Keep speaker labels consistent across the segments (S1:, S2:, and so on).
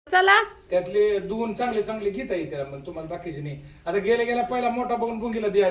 S1: चला
S2: त्यातले दोन चांगले चांगले घेता येते मग तुम्हाला बाकीचे नाही. आता गेल्या पहिला मोठा बघून बुंगीला द्या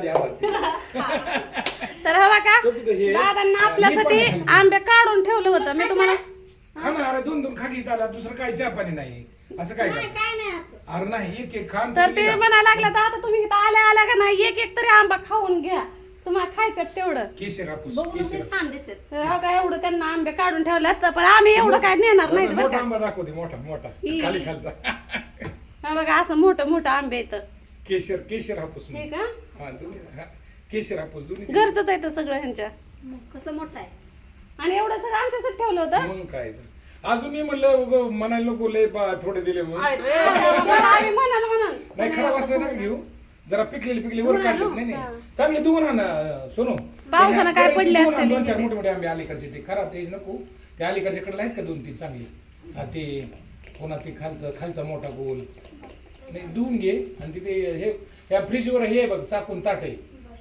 S1: तर हवा का दादांना आपल्यासाठी आंबे काढून ठेवलं होतं मी तुम्हाला.
S2: खा ना, अरे दोन दोन खाकी आला, दुसरं काय चहा पाणी नाही असं काय अरे नाही एक एक खान.
S1: तर ते म्हणायला लागलं तर आता तुम्ही इथं आल्या आल्या का नाही एक एक तरी आंबा खाऊन घ्या, तुम्हाला खायचं तेवढं.
S2: केशर हापूस
S3: छान दिसत.
S1: तर का एवढं त्यांना आंबे काढून ठेवल्यात, पण आम्ही एवढं काय नेणार नाही बरं
S2: मोठा
S1: का.
S2: आंबा दाखवते, मोठा मोठा खाली खालचा.
S1: हा बघा असं मोठं मोठं आंबे येतं.
S2: केशर केशर हापूस
S1: हे का
S2: हा दोन्ही, हा. केशर हापूस दोन्ही
S1: घरचंच आहे तर सगळं ह्यांच्या.
S3: कसं मोठं आहे.
S1: आणि एवढं सगळं आमच्यासाठी ठेवलं होतं.
S2: मग काय तर. अजून मी म्हणलं म्हणायला नको लय थोडे दिले म्हणून.
S1: आम्ही म्हणाल
S2: नाही खराब असलं ना घेऊ जरा पिकलेली वर काढले. नाही नाही चांगले देऊ ना सोनू.
S1: पावसानं काय पडले असते
S2: दोन चार मोठे मोठे आंबे अलीकडचे ते खराब तेच नको. ते अलीकडच्या कडे आहेत का दोन तीन चांगली. ते पुन्हा ते खालचा मोठा गोल नाही धुवून घे. आणि तिथे हे या फ्रीजवर हे बघ चाकून ताट आहे.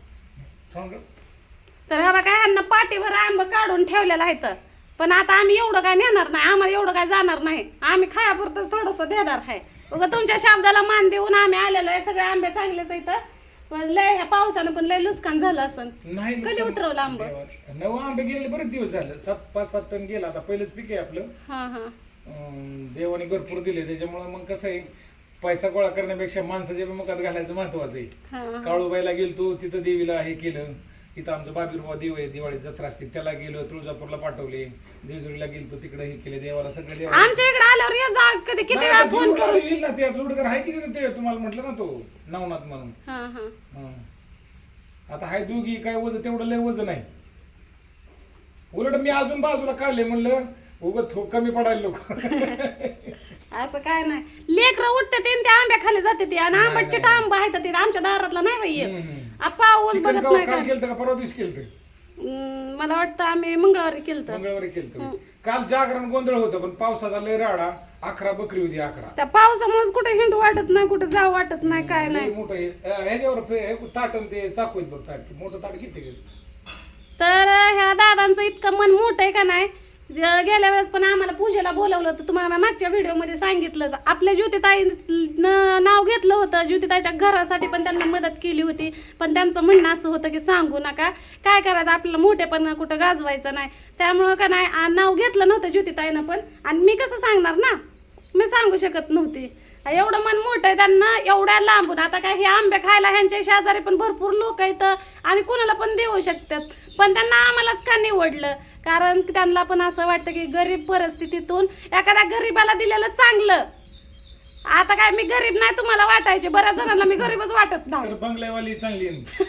S1: तर हा बघा ह्यांना पाठीवर आंब काढून ठेवलेलं आहे. पण आता आम्ही एवढं काय नेणार नाही, आम्हाला एवढं काय जाणार नाही. आम्ही खायापुरतं थोडंसं देणार आहे. बघा तुमच्या शब्दाला मान देऊन आम्ही आलेलो आहे. सगळे आंबे चांगलेच आहेत. पण लय ह्या पावसानं पण लय नुकसान झालं असं.
S2: नाही
S1: कधी उतरवलं आंब?
S2: 9 आंबे गेले बरेच दिवस झालं. 5-7 टन गेला. आता पहिलंच पीक आहे आपलं.
S1: हा हा
S2: देवाने भरपूर दिले त्याच्यामुळे मग कसं आहे पैसा गोळा करण्यापेक्षा माणसाच्या मुखात घालायचं महत्वाचं आहे. काळूबाईला गेलतो तिथं देवीला हे केलं. इथं आमचं बाबीरबाबा देव आहे, दिवाळी जत्रा असते त्याला गेलो. तुळजापूरला पाठवले, जेजुरीला गेलतो तिकडे हे केले. देवाला सगळे देव
S1: आमच्या इकडे आल्यावर ये जा कधी किती वेळा फोन करू.
S2: येईल ना. ते जोडीदार आहे किती ते तुम्हाला म्हटलं ना तो नवनाथ म्हणून.
S1: हा हा
S2: आता हाय दोघी काय वजन तेवढं लय वजन आहे. उलट मी अजून बाजूला काढले म्हणलं उगत कमी पडायला लोक.
S1: असं काय नाही. लेकरं उठते ते आंब्या खाली जाते ते. आणि आंब्याचे आंबा आहेत ते आमच्या दारातला नाही बाई. पाऊस बघत नाही
S2: काल केलं का परवा दिवशी केलं.
S1: मला वाटतं आम्ही मंगळवारी केलं.
S2: मंगळवारी केलं. काल जागरण गोंधळ होतं पण पावसाचा लय राडा. 11 बकरी होती 11.
S1: त्या पावसामुळेच कुठे हिंडू वाटत नाही, कुठे जाऊ वाटत नाही, काय नाही.
S2: मोठं ह्याच्यावर ताटन ते चाकू आहेत बघ. ताट मोठं ताट किती.
S1: तर ह्या दादांचं इतकं मन मोठं आहे का नाही. गेल्या वेळेस पण आम्हाला पूजेला बोलवलं होतं. तुम्हाला मागच्या व्हिडिओमध्ये सांगितलं. आपल्या ज्योतिताईनं नाव घेतलं होतं. ज्योतिताईच्या घरासाठी पण त्यांना मदत केली होती. पण त्यांचं म्हणणं असं होतं की सांगू नका, काय करायचं आपल्याला मोठेपण कुठं गाजवायचं नाही. त्यामुळं का नाही नाव घेतलं नव्हतं ज्योतिताईनं पण. आणि मी कसं सांगणार ना, मी सांगू शकत नव्हती. एवढं मन मोठं आहे त्यांना एवढ्या लांबून. आता काय हे आंबे खायला ह्यांच्या शेजारी पण भरपूर लोक आहेत आणि कुणाला पण देऊ शकतात. पण त्यांना आम्हालाच का निवडलं, कारण त्यांना पण असं वाटतं की गरीब परिस्थितीतून एखाद्या गरीबाला दिलेलं चांगलं. आता काय मी गरीब नाही तुम्हाला वाटायचे, बऱ्याच जणांना मी गरीबच वाटत नाही.
S2: बंगल्यावाली चांगली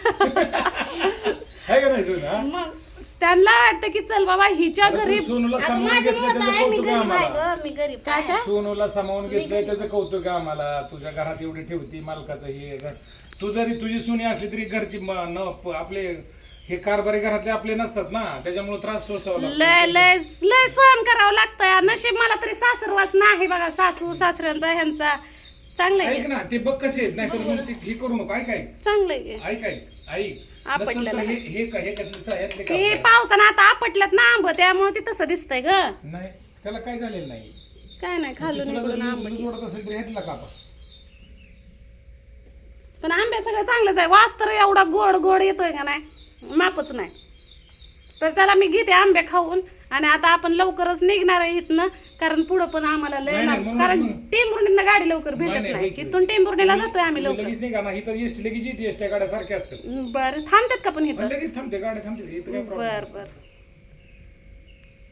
S2: आहे का नाही सोना.
S1: मग त्यांना वाटतं की चल बाबा हिच्या गरीब.
S2: सोनूला सामावून घेतलं त्याचं कौतुक आम्हाला.
S3: मी गरीब
S1: काय काय
S2: सोनूला सामावून घेतलंय त्याचं कौतुक आम्हाला. तुझ्या घरात एवढी ठेवती मालकाचं हे घर. तू जरी तुझी सोनी असली तरी घरची आपले हे कारभारी घरातले आपले नसतात ना, त्याच्यामुळे त्रास सोसावा लागतो.
S1: लय लय लय सहन करावं लागतं. नशीब मला तरी सासरवास नाही बघा. सासू सासऱ्यांचा ह्यांचा चांगलं आहे.
S2: ऐक ना ते बघ कसे आहेत. नाही तर हे करू नको. ऐक
S1: चांगलं आहे.
S2: ऐक नसेल तर हे
S1: हे पावसानं आता आपटल्यात ना आंब, त्यामुळे ते तसं दिसतंय ग.
S2: नाही त्याला काय झालेलं नाही.
S1: काय नाही खाल्लं
S2: जोडत असेल तरी घेतला का
S1: पण आंबे सगळं चांगलंच आहे. वास तर एवढा गोड गोड येतोय का नाही, मापच नाही. तर चला मी घेते आंबे खाऊन. आणि आता आपण लवकरच निघणार आहे इथनं, कारण पुढं पण आम्हाला लय कारण टेंभुर्णीला गाडी लवकर भेटत नाही. इथून टेंभुर्णीला जातोय आम्ही लवकर.
S2: लगेच निघा ना. इथं एसटी लगेच येते. एसट्या गाड्या सारख्या असतात.
S1: बरं थांबतात का पण इथं?
S2: लगेच थांबते गाड्या थांबते.
S1: बर बर